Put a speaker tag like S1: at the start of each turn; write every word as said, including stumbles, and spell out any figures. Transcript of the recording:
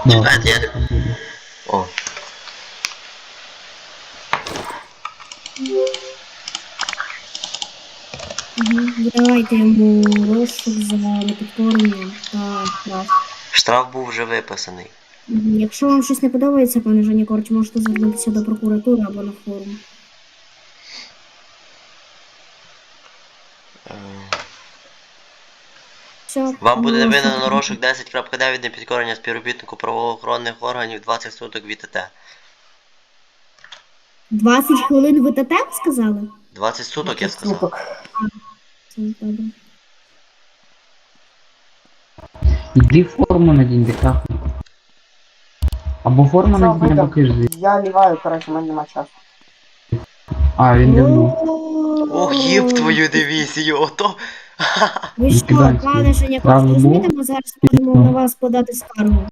S1: Да,
S2: Чекайте, я...
S1: так буде.
S2: О.
S3: Угу. Давайте йому розшук за непідкорення та штраф.
S2: Штраф був вже виписаний.
S3: Мгм. Якщо вам щось не подобається, пане Жанікорч, можете звернутися до прокуратури або на форум.
S2: Е,
S3: Все,
S2: Вам буде
S3: оголошую.
S2: винено розшук десять крапка дев'ять непідкорення співробітнику правоохоронних органів двадцять суток від ТТ.
S3: двадцять хвилин ви ТТ сказали?
S2: двадцять суток, я сказав.
S4: Суток.
S3: Це добре.
S1: Іди форму надінь, декафу. Або форму
S4: Що,
S1: надінь, або
S4: видав?
S1: кижди.
S4: Я ліваю, коротше, в мене нема часу.
S1: А, він давно.
S2: Ох, їб твою дивізію, ото.
S3: Ви що,
S1: Гігантський.
S3: пане Жанікорч,
S1: Правда,
S3: розумієте,
S1: був?
S3: ми зараз можемо на вас подати скаргу.